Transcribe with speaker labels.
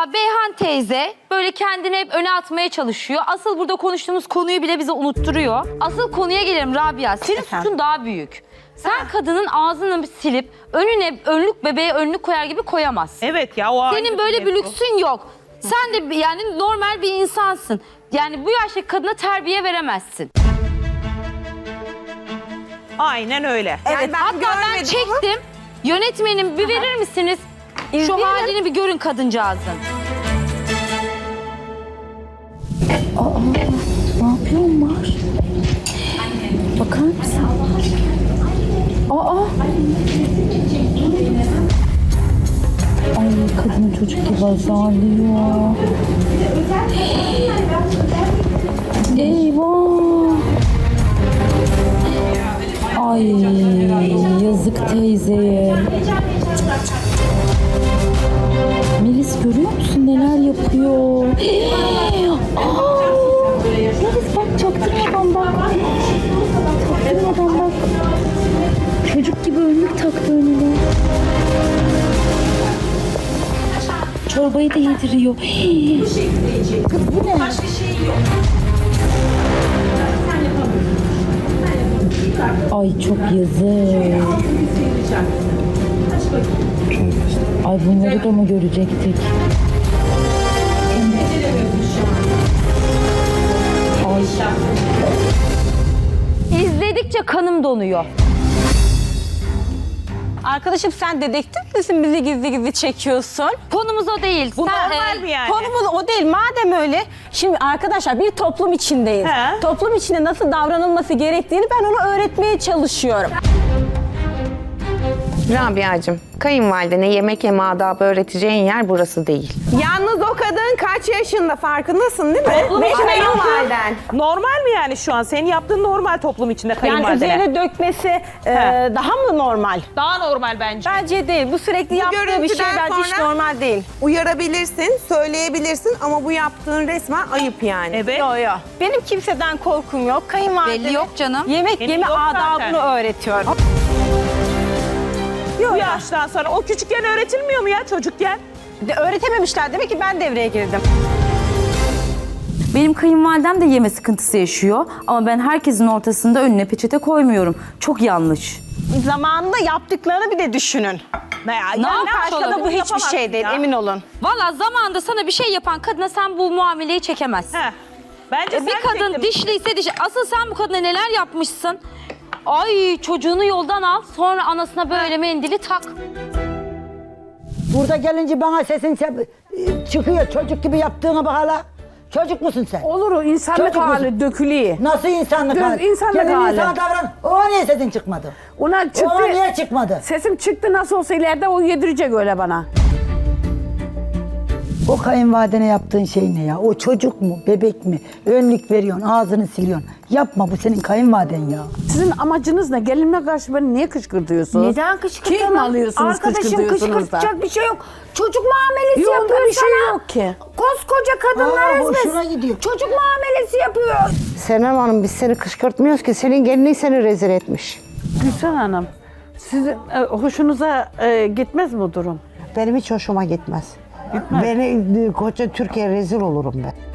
Speaker 1: Valla Beyhan teyze böyle kendini hep öne atmaya çalışıyor. Asıl burada konuştuğumuz konuyu bile bize unutturuyor. Asıl konuya gelelim Rabia. Senin suçun daha büyük. Sen kadının ağzını silip önüne önlük bebeğe önlük koyar gibi koyamazsın.
Speaker 2: Evet ya o
Speaker 1: Senin böyle bir lüksün yok. Sen de yani normal bir insansın. Yani bu yaştaki kadına terbiye veremezsin.
Speaker 2: Aynen öyle.
Speaker 3: Evet,
Speaker 1: Hatta ben çektim. Yönetmenim bir verir misiniz? Şu halini bir görün kadıncağızın.
Speaker 4: Ne yapıyorlar? Bakar mısın? Ay kadın çocuk gibi azarlıyor. Eyvah. Ay yazık teyzeye. Melis görüyor musun neler yapıyor? Melis bak çaktırmadan bak. Çaktırmadan bak. Çocuk gibi önlük taktı önüne. Çorbayı da yediriyor. Kız bu ne? Ay çok yazık. Ay bunları da mı görecektik? Ay.
Speaker 1: İzledikçe kanım donuyor.
Speaker 3: Arkadaşım sen dedektif misin, bizi gizli gizli çekiyorsun?
Speaker 1: Konumuz o değil.
Speaker 2: Bu
Speaker 1: Sen,
Speaker 2: normal mi yani?
Speaker 3: Konumuz o değil. Madem öyle, şimdi arkadaşlar bir toplum içindeyiz.
Speaker 2: He.
Speaker 3: Toplum içinde nasıl davranılması gerektiğini ben ona öğretmeye çalışıyorum.
Speaker 5: Rabia'cığım, kayınvalidene yemek yeme adabı öğreteceğin yer burası değil.
Speaker 6: Yalnız o kadın kaç yaşında farkındasın değil mi?
Speaker 3: Toplum içinde
Speaker 6: kayınvaliden.
Speaker 2: Normal mi yani şu an? Senin yaptığın normal toplum içinde
Speaker 3: Yani
Speaker 2: kayınvalidene.
Speaker 3: üzerine dökmesi daha mı normal?
Speaker 2: Daha normal bence.
Speaker 3: Bence değil. Bu sürekli yaptığı bir şey
Speaker 6: görüntüden
Speaker 3: bence hiç
Speaker 6: sonra-
Speaker 3: normal değil.
Speaker 6: Uyarabilirsin, söyleyebilirsin ama bu yaptığın resmen ayıp yani.
Speaker 2: Evet.
Speaker 3: Yo yo. Benim kimseden korkum yok. Kayınvalideme
Speaker 1: belli yok canım.
Speaker 3: yemek
Speaker 2: Benim
Speaker 3: yeme
Speaker 2: yok
Speaker 3: adabını
Speaker 2: zaten.
Speaker 3: öğretiyorum.
Speaker 2: Bu yaştan sonra o küçükken öğretilmiyor mu ya çocukken?
Speaker 3: Öğretememişler. Demek ki ben devreye girdim.
Speaker 4: Benim kayınvalidem de yeme sıkıntısı yaşıyor ama ben herkesin ortasında önüne peçete koymuyorum. Çok yanlış.
Speaker 3: Zamanında yaptıklarını bir de düşünün.
Speaker 2: Ne ya?
Speaker 1: Ne
Speaker 2: Yani
Speaker 1: yapmış
Speaker 2: başka da
Speaker 1: olabilir?
Speaker 3: Bu hiçbir
Speaker 2: yapamazsın
Speaker 3: şey değil,
Speaker 2: ya.
Speaker 3: emin olun.
Speaker 1: Valla zamanında sana bir şey yapan kadına sen bu muameleyi çekemezsin.
Speaker 2: Heh. Bence
Speaker 1: Bir
Speaker 2: sen
Speaker 1: kadın
Speaker 2: çektin.
Speaker 1: dişliyse dişi. Asıl sen bu kadına neler yapmışsın? Ay çocuğunu yoldan al, sonra anasına böyle mendili tak.
Speaker 7: Burada gelince bana sesin çıkıyor. Çocuk gibi yaptığına bak hala. Çocuk musun sen?
Speaker 8: Olur o insanlık
Speaker 7: Çocuk
Speaker 8: hali
Speaker 7: musun?
Speaker 8: dökülüyor.
Speaker 7: Nasıl insanlık
Speaker 8: Düz
Speaker 7: hali?
Speaker 8: insanlık
Speaker 7: Gelin
Speaker 8: hali.
Speaker 7: insana davran. O niye sesin çıkmadı?
Speaker 8: Ona çıktı.
Speaker 7: Ona niye çıkmadı?
Speaker 8: Sesim çıktı nasıl olsa ileride o yedirecek öyle bana.
Speaker 7: O kayınvalidene yaptığın şey ne ya? O çocuk mu, bebek mi? Önlük veriyorsun, ağzını siliyorsun. Yapma, bu senin kayınvaliden ya.
Speaker 8: Sizin amacınız ne? Gelinime karşı beni niye kışkırtıyorsunuz?
Speaker 4: Neden kışkırtamam?
Speaker 8: Kim alıyorsunuz
Speaker 4: Arkadaşım
Speaker 8: kışkırtıyorsunuz da?
Speaker 4: kışkırtacak bir şey yok. Çocuk muamelesi
Speaker 8: Yok,
Speaker 4: yapıyor
Speaker 8: bir şey
Speaker 4: sana.
Speaker 8: yok ki.
Speaker 4: Koskoca kadınlar
Speaker 7: Aa,
Speaker 4: ezmesi.
Speaker 7: hoşuna gidiyor.
Speaker 4: Çocuk muamelesi yapıyor.
Speaker 5: Senem Hanım biz seni kışkırtmıyoruz ki senin gelinin seni rezil etmiş.
Speaker 8: Gülsen Hanım, sizin hoşunuza gitmez mi bu durum?
Speaker 5: Benim hiç hoşuma gitmez. Beni koca Türkiye rezil olurum ben.